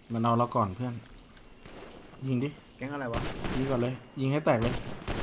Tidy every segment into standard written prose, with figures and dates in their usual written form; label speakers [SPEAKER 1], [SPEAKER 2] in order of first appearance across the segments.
[SPEAKER 1] มันเอาเราก่อนเพื่อนยิงดิ
[SPEAKER 2] แก๊งอะไรวะ
[SPEAKER 1] ยิงก่อนเลยยิงให้แตกเลย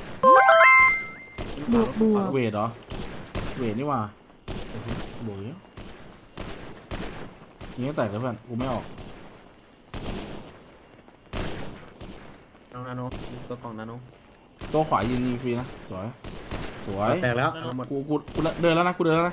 [SPEAKER 3] บวกบวก
[SPEAKER 1] เวทเหรอเวทนี่หว่าโบยยิงให้แตกเลยเพื่อนกูไม่ออก
[SPEAKER 2] น้องนาโนตัวกล่องนาโน
[SPEAKER 1] ตัวขวายิงฟรีนะสวยสวย
[SPEAKER 4] แตกแล้ว
[SPEAKER 1] กูเดินแล้วนะกูเดินแล้วนะ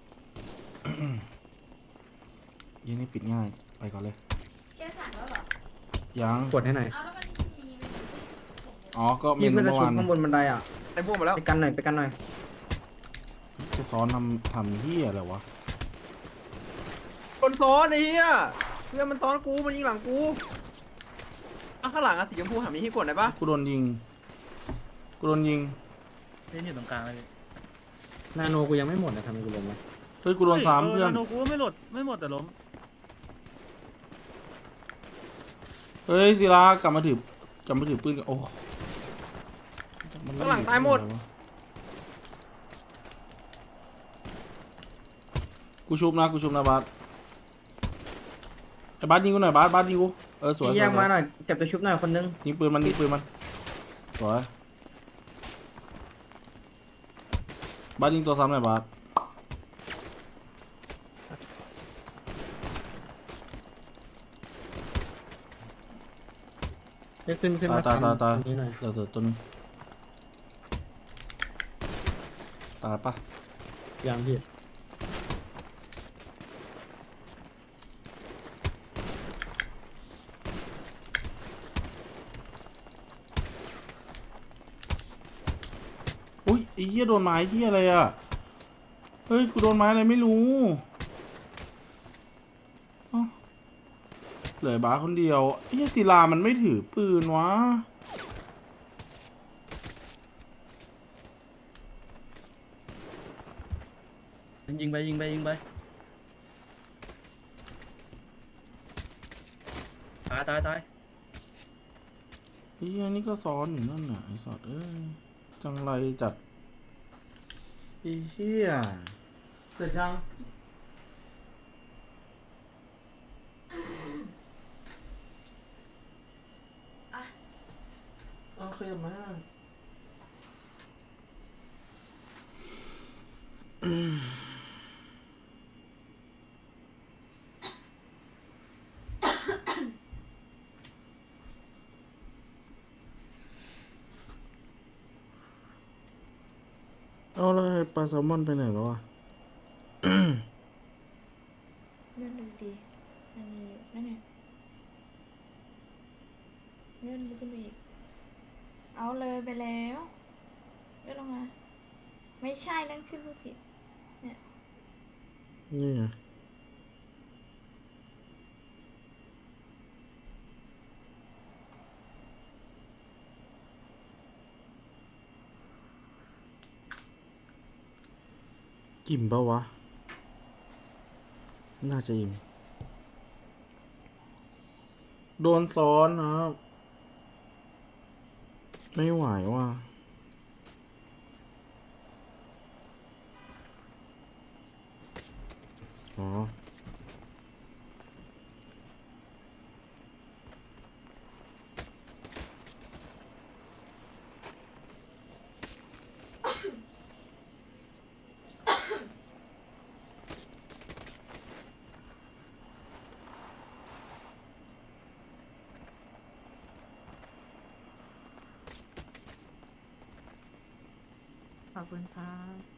[SPEAKER 1] ยิงนี่ปิดง่ายไปก่อนเลย
[SPEAKER 3] แกสั่งแล้วเหรอ
[SPEAKER 1] ยัง
[SPEAKER 4] กดให้หน่อย
[SPEAKER 3] เอาแล้วมันมีเมนูที่ผม
[SPEAKER 1] อ๋อก็เม
[SPEAKER 5] พี่
[SPEAKER 1] นู
[SPEAKER 5] เพื่อนจะ
[SPEAKER 1] เมื่อ
[SPEAKER 5] ชุบ
[SPEAKER 1] วาน
[SPEAKER 5] ข้างบนบันไดอ่ะ
[SPEAKER 2] ไอ้พวกมาแล้ว
[SPEAKER 5] ไปกันหน่อยไปกันหน่อย
[SPEAKER 1] จะซ้อนทำเฮียอะไรวะ
[SPEAKER 2] คนซ้อนไอ้เหี้ยเพื่อนมันซ้อนกูมันยิงหลังกูข้างหลังอะสีชมพูหามีให้กดได้ปะ
[SPEAKER 1] กูโดนยิงกูโดนยิง
[SPEAKER 6] เล่นอยู่ตรงกลางเลย
[SPEAKER 4] นาโนกูยังไม่หมดนะทำไมกูลงวะ
[SPEAKER 1] เฮ้ยกูโดนซ้ำเพื่อน
[SPEAKER 6] โนกูไม่หลดไม่หมดแต่ล้ม
[SPEAKER 1] เฮ้ยศิลากลับมาถือปืนกันโอ้มัน
[SPEAKER 2] ข้างหลังตายหมด
[SPEAKER 1] กูชุบนะบาสไอ้บาสยิงกูหน่อยบาสยิงกูสวย
[SPEAKER 5] พี่แยกมาหน่อยเก็บตัวชุบหน่อยคนนึง
[SPEAKER 1] ยิงปืนมันสวยบาสยิงตัวซ้ำหน่อยบาส
[SPEAKER 4] ขึ้นมา
[SPEAKER 1] ตาย
[SPEAKER 4] นี่หน่อย
[SPEAKER 1] เดี๋ยวตัวนึงตายปะ
[SPEAKER 4] ยังพี่
[SPEAKER 1] อุ้ยไอ้เหี้ยโดนไม้เหี้ยอะไรอ่ะเฮ้ยกูโดนไม้อะไรไม่รู้เอ้าเหลือบาสคนเดียวไอ้เหี้ยศิลามันไม่ถือปืนวะ
[SPEAKER 6] ยิงไปตาย
[SPEAKER 1] ไอ้เหี้ยนี่ก็ซ้อนอยู่นั่นน่ะไอ้สัตว์เอ้ยจังไรจัดไอ้เหี้ยเสร็จยังเอาขยับมาเอาแล้วไอ้ปลาแซลมอนไปไหนแล้วอ่ะ
[SPEAKER 3] เลื่อนดูดีมันมีอยู่นั่นไงเลื่อนขึ้นไปอีกเอาเลยไปแล้วเลื่อนลงมาไม่ใช่เลื่อนขึ้นรูปผิด
[SPEAKER 1] นี่ไงอิ่มปะวะ น่าจะอิ่มโดนซ้อนครับ ไม่ไหวว่ะอ๋อ
[SPEAKER 3] ขอบคุณครับ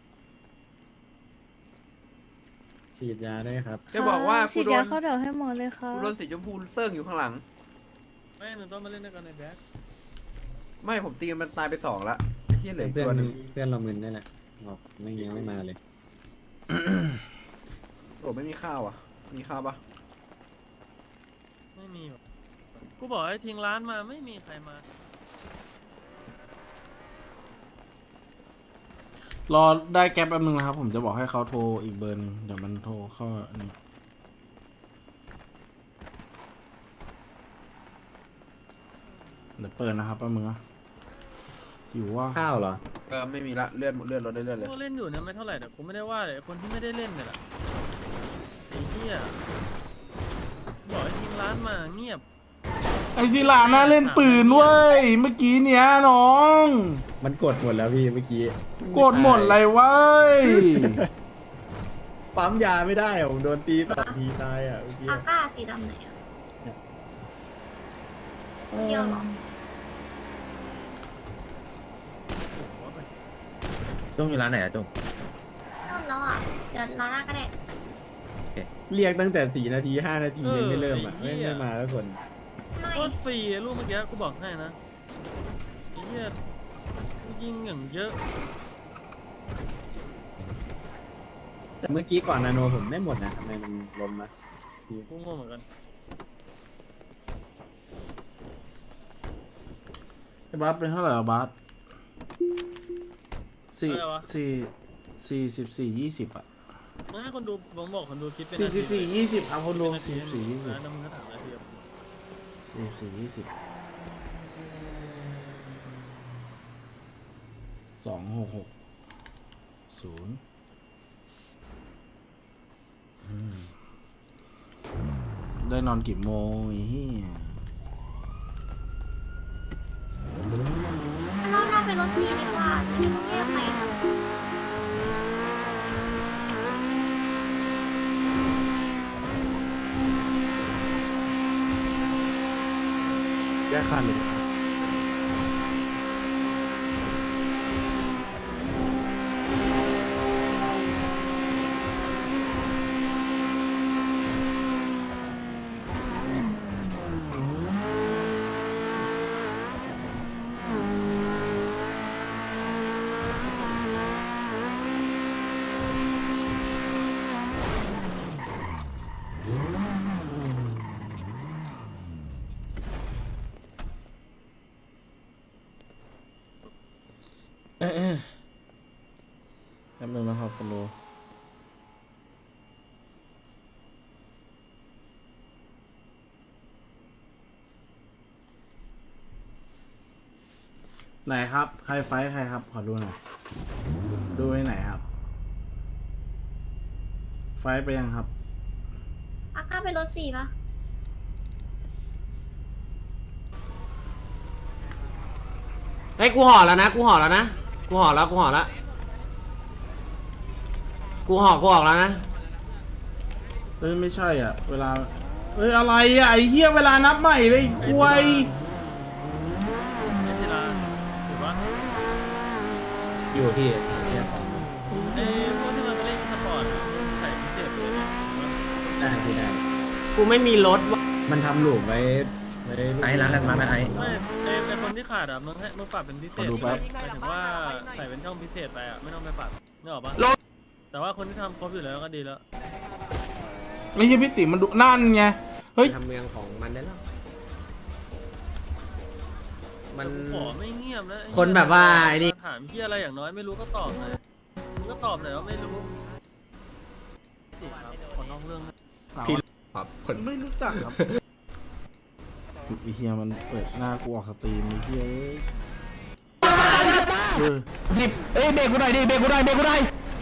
[SPEAKER 4] ฉีดยาได้ครับ
[SPEAKER 2] จะบอกว่ากู
[SPEAKER 3] ฉีด
[SPEAKER 2] โด
[SPEAKER 3] ยาน เข้าเดี๋ยวให้หมดเลยค่ะ
[SPEAKER 2] กูโดนสีชมพูเซิร์งอยู่ข้างหลัง
[SPEAKER 6] ไม่หนูต้องมาเล่นด้วยกันในแบ็ค
[SPEAKER 2] ไม่ผมตีมันตายไปสองละไอ้เหี้ยเหลืออีก
[SPEAKER 4] เพื่อน
[SPEAKER 2] ตัวหนึ่ง
[SPEAKER 4] เพื่อนเรามึนนี่แหละบอกไม่ยังไม่มาเลย
[SPEAKER 2] โอ้ไม่มีข้าวอ่ะมีข้าวปะ
[SPEAKER 6] ไม่มีกูบอกให้ทิ้งร้านมาไม่มีใครมาร
[SPEAKER 1] อได้แก๊ปแป๊บนึงนะครับ ผมจะบอกให้เขาโทรอีกเบอร์นึงเดี๋ยวมันโทรเข้านี่เดี๋ยวเปิดนะครับแป๊บนึงนะอยู่ว่า
[SPEAKER 4] ข้าวเหรอ
[SPEAKER 2] ไม่มีละเลื่อนรถได้เลื่อนเลย
[SPEAKER 6] กูเล่นอยู่เนี่ยไม่เท่าไหร่แต่กูไม่ได้ว่าเลยคนที่ไม่ได้เล่นเนี่ยแหละไอ้เหี้ยบอกให้ทิ้งร้านานมาเงียบ
[SPEAKER 1] ไอศิลาน่าเล่นปืนเว้ยเมื่อกี้เนี้ยน้อง
[SPEAKER 4] มันกดหมดแล้วพี่เมื่อกี้
[SPEAKER 1] กดหมดเลยเว้ย
[SPEAKER 4] ปั๊มยาไม่ได้อะผมโดนตีต่อทีตายอ่ะเมื่อกี้
[SPEAKER 7] อาก้าสีดำไหนอ่ะคนเดียวเหรอ
[SPEAKER 2] จุ้งอยู่ร้านไหนอะจุ้ง
[SPEAKER 7] เริ่มแล้วอ่ะ เดี๋ยวร้านหน้าก็ได้
[SPEAKER 4] เรียกตั้งแต่4 นาที5 นาทียังไม่เริ่มอ่ะไม่มาแล้วคน
[SPEAKER 7] ไม่
[SPEAKER 6] โคตรฟรีอะลูกเมื่อกี้กูบอกให้นะไอ้เหี้ยยิงอย่างเยอะ
[SPEAKER 4] แต่เมื่อกี้ก่อนนาโนผมไม่หมดนะทำไมมันล้มนะพี่
[SPEAKER 6] กูงงเหมือนกัน
[SPEAKER 1] ไอ้บัสเป็นเท่าไหร่อะบัส44 20อะ
[SPEAKER 6] มึงให้คนดูผมบอกคนดูคิดเป็น
[SPEAKER 1] 44 20เอาคนดู44 20
[SPEAKER 6] น้ำมึงก็ถามนาที
[SPEAKER 1] 44 20 266 0ได้นอนกี่โมงไอ้เหี้ย
[SPEAKER 7] รอบหน้าเป็นรถสีดีกว่าที่เขาแยกไปอะ
[SPEAKER 4] แก้คันเลย
[SPEAKER 1] แป๊บนึงนะครับคุณโลไหนครับ ใครไฟท์ใครครับ ขอดูหน่อย ดูให้ไหนครับ ไฟท์ไปยังครับ
[SPEAKER 7] อาก้าเป็นรถสีปะ
[SPEAKER 8] เฮ้ยกูห่อแล้วนะกูห่อแล้วนะกูห่อแล้วกูห่อแล้วกูห่อกูออกแล้วนะ
[SPEAKER 1] เอ้ยไม่ใช่อ่ะ เวลา เอ้ยอะไรอ่ะไอ้เหี้ยเวลานับใหม่เลยไอ้ควาย
[SPEAKER 6] ไอ้ทีละถูกปะ
[SPEAKER 4] อยู่ที่
[SPEAKER 6] ไอ้พวกที่มันไปเล่นสปอร์ตใส่พิเศษเลยเนี่ย
[SPEAKER 4] ได้ที่ได้
[SPEAKER 8] กูไม่มีรถว่ะ
[SPEAKER 4] มันทำหลูมไว้
[SPEAKER 2] ไอ้ร้านแรกมาไหมไอ้
[SPEAKER 6] ไม่ไอ้คนที่ขาดอ่ะมึงปรับเป็นพิเศษ
[SPEAKER 1] ขอดูแป๊บ
[SPEAKER 6] หมายถึงว่าใส่เป็นช่องพิเศษไปอ่ะไม่ต้องไปปรับนึกออกปะแต่ว่าคนที่ทำครบอยู่แล้วก็ดีแล้ว
[SPEAKER 1] ไอ้เหี้ยพี่ติ๋มมันดุนั่นไง เฮ้ย
[SPEAKER 8] ทำเมืองของมันได้แล้วมัน
[SPEAKER 6] ขอไม่เงียบนะไอ้
[SPEAKER 8] คนแบบว่าไอ้นี่
[SPEAKER 6] ถามพี่อะไรอย่างน้อยไม่รู้ก็ตอบหน่อยมึงก็ตอบหน่อยว่าไม่รู้สิครับขอนอกเรื่องนะ
[SPEAKER 8] พี่ครับคน
[SPEAKER 1] ไม่รู้จักครับไอ้เหี้ยมันเปิดหน้ากูออกสตรีมไอ้เหี้ยเอ้ย
[SPEAKER 8] เอ้ยเบรกกูหน่อยดิเบรกกูหน่อยเบรกกูหน่อย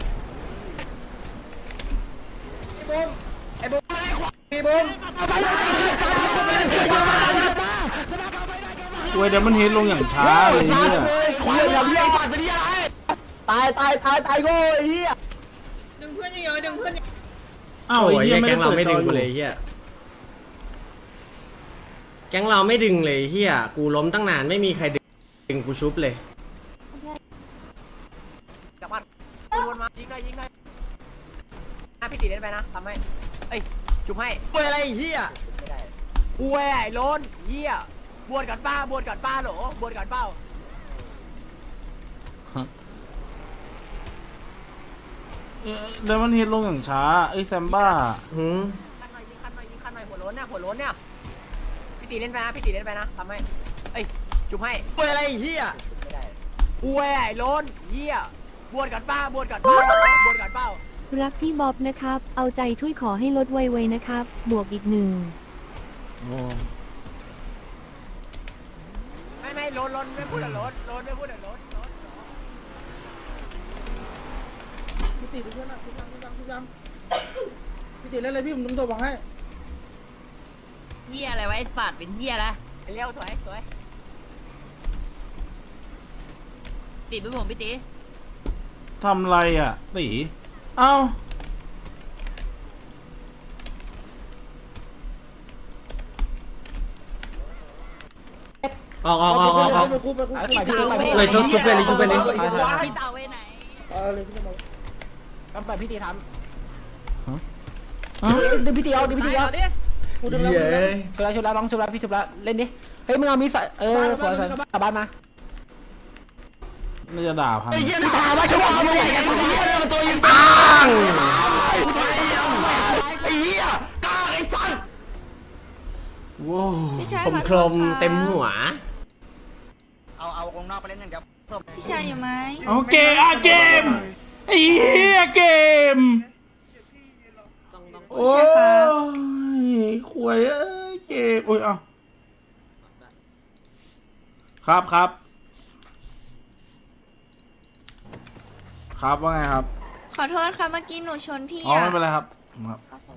[SPEAKER 1] เว้ยเดี๋ยวมันเฮดลงอย่างช้าเลยเหี้ย
[SPEAKER 8] ควายอย่าเรียกปัดไปดิอะไรตายโง่ไอ้เหี้ย
[SPEAKER 1] อ้าว
[SPEAKER 8] โอ้
[SPEAKER 1] ไอ้
[SPEAKER 8] ย
[SPEAKER 1] เหี้ยไม่
[SPEAKER 8] แก๊
[SPEAKER 1] ได้
[SPEAKER 8] งเรา
[SPEAKER 1] เปิด
[SPEAKER 8] ไม่
[SPEAKER 1] จ
[SPEAKER 8] ดึ
[SPEAKER 1] อง อ
[SPEAKER 8] กู
[SPEAKER 1] ยู่
[SPEAKER 8] เลยเฮียแก๊งเราไม่ดึงเลยเฮียกูล้มตั้งนานไม่มีใครดึงกูชุบเลย
[SPEAKER 9] วนมายิงหน่อยยิงหน่อยพี่ตีเล่นไปนะทำให้เอ้ยจุ่มให้
[SPEAKER 8] กูอะไรเฮีย
[SPEAKER 9] ไม่ได้กูแหวโลนเหี้ยบวชก่อนป้าบวชก่อนป้าโหลบวชก่อนเป้า
[SPEAKER 1] เดี๋ยวมันเฮดลงอย่างช้าไอ้แซมบ้า
[SPEAKER 8] หืม
[SPEAKER 9] คันหน่อยยิงคันหน่อยยิงคันหน่อยหัวโล้นเนี่ยหัวโล้นเนี่ยพี่ตีเล่นไปนะพี่ตีเล่นไปนะทำให้เอ้ยจุ่มให้
[SPEAKER 8] กูอะไรเฮีย
[SPEAKER 9] ไม่ได้กูแหวโลนเหี้ยบวชก่อนป้าบวชก่อนป้าโหลบวชก่อนเป้า
[SPEAKER 10] รักพี่บ๊อบนะครับ เอาใจช่วยขอให้ลดไวๆนะครับ บวกอีก 1
[SPEAKER 1] โอ้
[SPEAKER 9] ไม่โลนไม่พูดอะโลนไม่พูดอะโลน
[SPEAKER 2] พี่ตีเพื่อนนะพี่ยังพี่ตีเล่นเลยพี่ผมตัวบอกให้
[SPEAKER 9] เหี้ยอะไรวะไอ้สัตว์เป็นเหี้ยละเร็วสวยสวยติดไปผมพี่ตี
[SPEAKER 1] ทำไรอ่ะตีเอ้า
[SPEAKER 8] ออกเลยชุบไปเลยชุบไปเลย
[SPEAKER 9] พี่เต่าไปไหน
[SPEAKER 5] ต้องไปพี่ตีท
[SPEAKER 1] เอ้า
[SPEAKER 5] ำดึงพี่ตีเอาดึงพี่ตีเอา
[SPEAKER 8] เย้
[SPEAKER 5] ชุบแล้วน้องชุบแล้วพี่ชุบแล้วเล่นดิเฮ้ยมึงเอามีดสวยกลับบ้านมา
[SPEAKER 1] น่าจะด่าพัง
[SPEAKER 8] ปังว้าว
[SPEAKER 3] พี่ชาย
[SPEAKER 8] ผม
[SPEAKER 3] ขอ
[SPEAKER 8] โค
[SPEAKER 3] โท
[SPEAKER 8] ร
[SPEAKER 3] ษ
[SPEAKER 8] ม
[SPEAKER 3] ครับ
[SPEAKER 8] เต็มหัว
[SPEAKER 9] เอาวงนอกไปเล่นอย่างเดียวเพิ่ม
[SPEAKER 3] พี่ชายอยู่ไหม
[SPEAKER 1] โอเคเกมไอ้เหี้ยเกมโอ้ยขวยเอ้ยเกมโอ้ยเอาครับครับว่าไงครับ
[SPEAKER 3] ขอโทษค่ะเมื่อกี้หนูชนพี่
[SPEAKER 1] อ๋อ
[SPEAKER 3] อ่ะ
[SPEAKER 1] ไม่เป็นไรครับครับ
[SPEAKER 3] ครับผ